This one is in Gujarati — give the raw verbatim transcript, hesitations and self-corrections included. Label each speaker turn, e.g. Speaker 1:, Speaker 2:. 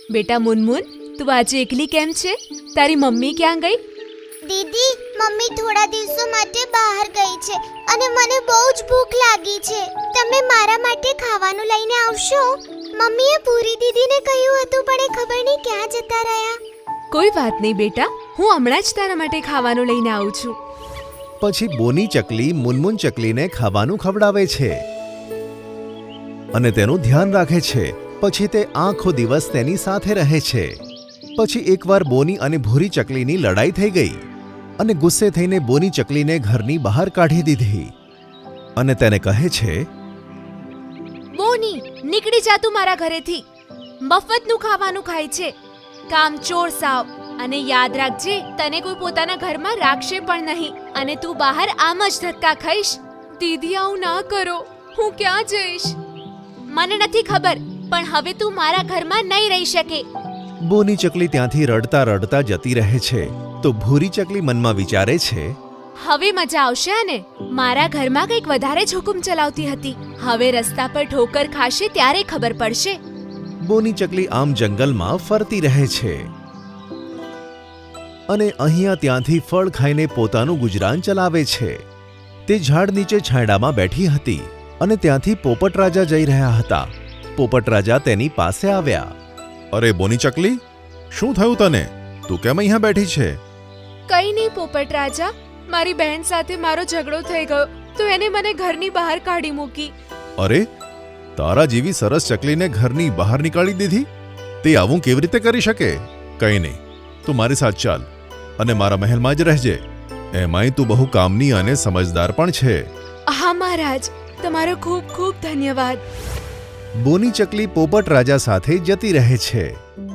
Speaker 1: બેટા મુનમુન, તું આજે એકલી કેમ છે? તારી મમ્મી ક્યાં ગઈ?
Speaker 2: દીદી, મમ્મી થોડા દિવસો માટે બહાર ગઈ છે અને મને બહુ જ ભૂખ લાગી છે. તમે મારા માટે ખાવાનું લઈને આવશો? મમ્મીએ પૂરી દીદીને કહ્યું હતું પણ એ ખબર નહીં ક્યાં જતા રહ્યા.
Speaker 1: કોઈ વાત નહીં બેટા, હું હમણાં જ તારા માટે ખાવાનું લઈને આવું છું.
Speaker 3: પછી બોની ચકલી મુનમુન ચકલીને ખાવાનું ખવડાવે છે અને તેનું ધ્યાન રાખે છે. પછી તે આખો દિવસ તેની સાથે રહે છે. પછી એકવાર બોની અને ભૂરી ચકલીની લડાઈ થઈ ગઈ અને ગુસ્સે થઈને બોની ચકલીને ઘરની બહાર કાઢી દીધી અને તેને કહે છે,
Speaker 1: બોની, નીકળી જા તું મારા ઘરેથી. મફતનું ખાવાનું ખાય છે, કામચોર સાવ. અને યાદ રાખજે, તને કોઈ પોતાના ઘરમાં રાખશે પણ નહીં અને તું બહાર આમ જ ધક્કા ખાઈશ. દીદી, આવું ના કરો. હું ક્યાં જઈશ? મને નથી ખબર, પણ હવે તું મારા ઘરમાં નહીં રહી શકે.
Speaker 3: બોની ચકલી ત્યાંથી રડતા રડતા જતી રહે છે. તો ભૂરી ચકલી મનમાં વિચારે છે,
Speaker 1: હવે મજા આવશે અને મારા ઘરમાં કંઈક વધારે જ હુકુમ ચલાવતી હતી. હવે રસ્તા પર ઠોકર ખાશે ત્યારે ખબર પડશે.
Speaker 3: બોની ચકલી આમ જંગલમાં ફરતી રહે છે અને અહીંયા ત્યાંથી ફળ ખાઈને પોતાનું ગુજરાન ચલાવે છે. તે ઝાડ નીચે છાંયડામાં બેઠી હતી અને ત્યાંથી પોપટ રાજા જઈ રહ્યા હતા. પોપટ રાજા તેની પાસે આવ્યા.
Speaker 4: અરે બોની ચકલી, શું થયું તને? તું કેમ અહીંયા બેઠી છે?
Speaker 1: કઈ નહીં પોપટ રાજા, મારી બહેન સાથે મારો ઝઘડો થઈ ગયો તો એને મને ઘરની બહાર કાઢી મૂકી.
Speaker 4: અરે, તારા જેવી સરસ ચકલીને ઘરની બહાર નીકાળી દીધી? તે આવું કેવી રીતે કરી શકે? કંઈ નહીં, તું મારી સાથે ચાલ અને મારા મહેલમાં જ રહેજે. એમાંય તું બહુ કામની અને સમજદાર પણ છે.
Speaker 1: હા મહારાજ, તમારો ખૂબ ખૂબ ધન્યવાદ.
Speaker 3: બોની ચકલી પોપટ રાજા સાથે જતી રહે છે.